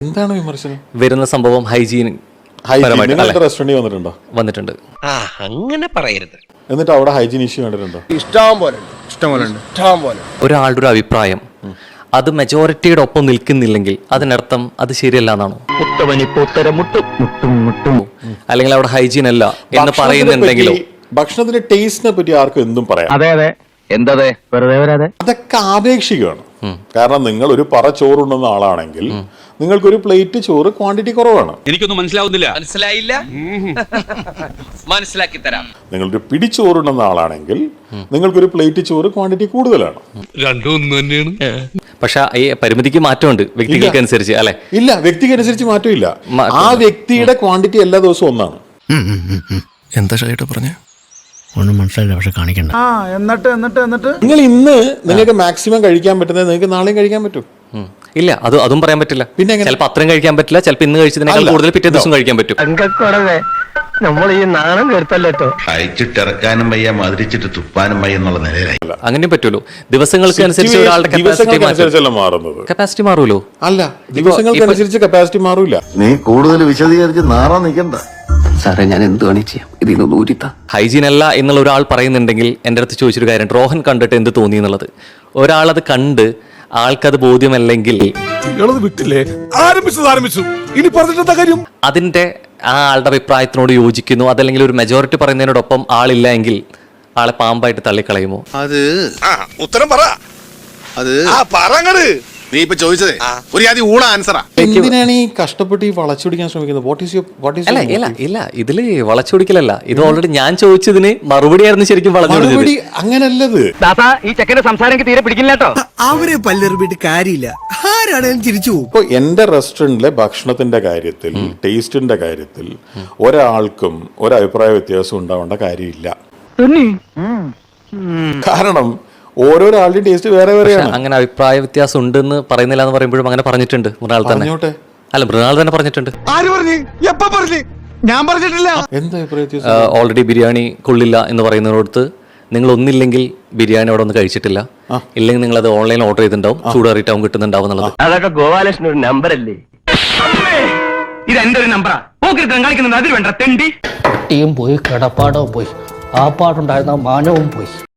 എന്താണ് വിമർശനം? വരുന്ന സംഭവം ഹൈജീൻ റെസ്റ്റോറന്റിൽ വന്നിട്ടുണ്ട്. അങ്ങനെ പറയരുത്. എന്നിട്ട് അവിടെ ഹൈജീൻ ഇഷ്യൂ കണ്ടിട്ടുണ്ടോ? ഇഷ്ടം പോലെ ഒരാളുടെ ഒരു അഭിപ്രായം അത് മെജോറിറ്റിയുടെ ഒപ്പം നിൽക്കുന്നില്ലെങ്കിൽ അതിനർത്ഥം അത് ശരിയല്ല എന്നാണോ? അല്ലെങ്കിൽ അവിടെ ഹൈജീൻ അല്ല എന്ന് പറയുന്നുണ്ടെങ്കിലോ? ഭക്ഷണത്തിന്റെ ടേസ്റ്റിനെ പറ്റി ആർക്കും എന്തും പറയാം. അതെ എന്തതെ വെറുതെ വരാതെ അതൊക്കെ ആപേക്ഷികമാണ്. കാരണം നിങ്ങൾ ഒരു പറ ചോറുണ്ടെന്ന ആളാണെങ്കിൽ നിങ്ങൾക്കൊരു പ്ലേറ്റ് ചോറ് ക്വാണ്ടിറ്റി കുറവാണ്. എനിക്കൊന്നും മനസ്സിലാവുന്നില്ല. മനസ്സിലായില്ല, മനസ്സിലാക്കി തരാം. നിങ്ങളൊരു പിടിച്ചോറുണ്ടെന്ന ആളാണെങ്കിൽ നിങ്ങൾക്കൊരു പ്ലേറ്റ് ചോറ് ക്വാണ്ടിറ്റി കൂടുതലാണ്. രണ്ടും ഒന്ന് തന്നെയാണ്. പക്ഷെ ഈ പരിമിതിക്ക് മാറ്റമുണ്ട് വ്യക്തികൾക്ക് അനുസരിച്ച്, അല്ലെ? ഇല്ല, വ്യക്തിക്ക് അനുസരിച്ച് മാറ്റമില്ല. ആ വ്യക്തിയുടെ ക്വാണ്ടിറ്റി എല്ലാ ദിവസവും ഒന്നാണ്. എന്താ ഷൈട്ട് പറഞ്ഞേ? ഒന്നും മനസ്സിലായില്ല, പക്ഷെ കാണിക്കണ്ട. എന്നിട്ട് നിങ്ങൾ ഇന്ന് നിങ്ങൾക്ക് മാക്സിമം കഴിക്കാൻ പറ്റുന്നത് നിങ്ങൾക്ക് നാളെയും കഴിക്കാൻ പറ്റും. ഇല്ല, അതും പറയാൻ പറ്റില്ല. പിന്നെ ചിലപ്പോൾ അത്രയും കഴിക്കാൻ പറ്റില്ല, ചിലപ്പോൾ ഇന്ന് കഴിച്ചതിനേക്കാൾ കൂടുതൽ പിറ്റേ ദിവസം കഴിക്കാൻ പറ്റും. നമ്മൾ ഈ നാണം കേട്ടല്ലോ. അയച്ചിട്ടിറക്കാനും വയ്യ, മധുരിച്ചിട്ട് തുപ്പാനും വയ്യ എന്നുള്ള നിലയിലായി. അങ്ങനെയും പറ്റുമല്ലോ. ദിവസങ്ങൾക്ക് അനുസരിച്ച് ഒരാളുടെ കപ്പാസിറ്റി മാറുമല്ലോ. അല്ല, ദിവസങ്ങൾക്ക് അനുസരിച്ച് കപ്പാസിറ്റി മാറൂല. നീ കൂടുതൽ വിശദീകരിച്ച് നാറാൻ നിൽക്കണ്ട. സാറേ, ഞാൻ എന്ത് വേണേ ചെയ്യാം, ഇതിനൊന്നും ഊരിത്താ. ഹൈജീൻ അല്ല എന്നുള്ള ഒരാൾ പറയുന്നുണ്ടെങ്കിൽ എൻ്റെ അടുത്ത് ചോദിച്ചൊരു കാര്യം, റോഹൻ കണ്ടിട്ട് എന്ത് തോന്നി എന്നുള്ളത്. ഒരാളത് കണ്ട് ആൾക്കത് ബോധ്യമല്ലെങ്കിൽ അതിന്റെ ആ ആളുടെ അഭിപ്രായത്തിനോട് യോജിക്കുന്നു, അതല്ലെങ്കിൽ ഒരു മെജോറിറ്റി പറയുന്നതിനോടൊപ്പം ആളില്ല എങ്കിൽ ആളെ പാമ്പായിട്ട് തള്ളിക്കളയുമോ? അത് ഉത്തരം പറ. അത് നീ ഇപ്പൊ ചോദിച്ചതേ ഒരു ആദ്യം ഊള ആൻസറാ. എന്തിനാണ് ഈ കഷ്ടപ്പെട്ട് ഈ വളച്ചൊടിക്കാൻ ശ്രമിക്കുന്നത്? ഇല്ല, ഇതില് വളച്ചൊടിക്കലല്ല. ഇത് ഓൾറെഡി ഞാൻ ചോദിച്ചതിന് മറുപടിയായിരുന്നു ശരിക്കും വളച്ചൊടിച്ചത്. അങ്ങനല്ലത്. ഈ ചെക്കന്റെ സംസാരം എനിക്ക് തീരെ പിടിക്കില്ല കേട്ടോ. അവരെ പല്ലെറിഞ്ഞിട്ട് കാര്യമില്ല, ആരാണേലും ചിരിച്ചു പോകും. ഇപ്പൊ എന്റെ റെസ്റ്റോറന്റിലെ ഭക്ഷണത്തിന്റെ കാര്യത്തിൽ, ടേസ്റ്റിന്റെ കാര്യത്തിൽ ഒരാൾക്കും ഒരഭിപ്രായ വ്യത്യാസം ഉണ്ടാവേണ്ട കാര്യമില്ല. കാരണം ഓരോരാളുടെയും ടേസ്റ്റ് വേറെ വേറെയാണ്. അങ്ങനെ അഭിപ്രായ വ്യത്യാസം ഉണ്ടെന്ന് പറയുന്നില്ല എന്ന് പറയുമ്പോഴും അങ്ങനെ പറഞ്ഞിട്ടുണ്ട് മൃണാൾ തന്നെ. അല്ല, മൃണാൾ തന്നെ പറഞ്ഞിട്ടുണ്ട്. ഞാൻ പറഞ്ഞിട്ടില്ല. എന്താ അഭിപ്രായ വ്യത്യാസം? ഓൾറെഡി ബിരിയാണി കൊള്ളില്ല എന്ന് പറയുന്നതിനോടത്ത് നിങ്ങൾ ഒന്നില്ലെങ്കിൽ ബിരിയാണി അവിടെ ഒന്ന് കഴിച്ചിട്ടില്ല, ഇല്ലെങ്കിൽ നിങ്ങൾ അത് ഓൺലൈൻ ഓർഡർ ചെയ്തിട്ടുണ്ടാവും, ചൂടാറിയിട്ടാവും കിട്ടുന്നുണ്ടാവും എന്നുള്ളത്. അതൊക്കെ ഗോപാലകൃഷ്ണൻ ഒരു നമ്പർ അല്ലേ? ഇത് എന്റെ ഒരു നമ്പറാ. കളിക്കുന്നുണ്ട്, അതിൽ വേണ്ട തെണ്ടി. കുട്ടിയും പോയി, കിടപ്പാടവും പോയി, ആ പാടുണ്ടായിരുന്ന മാനവും പോയി.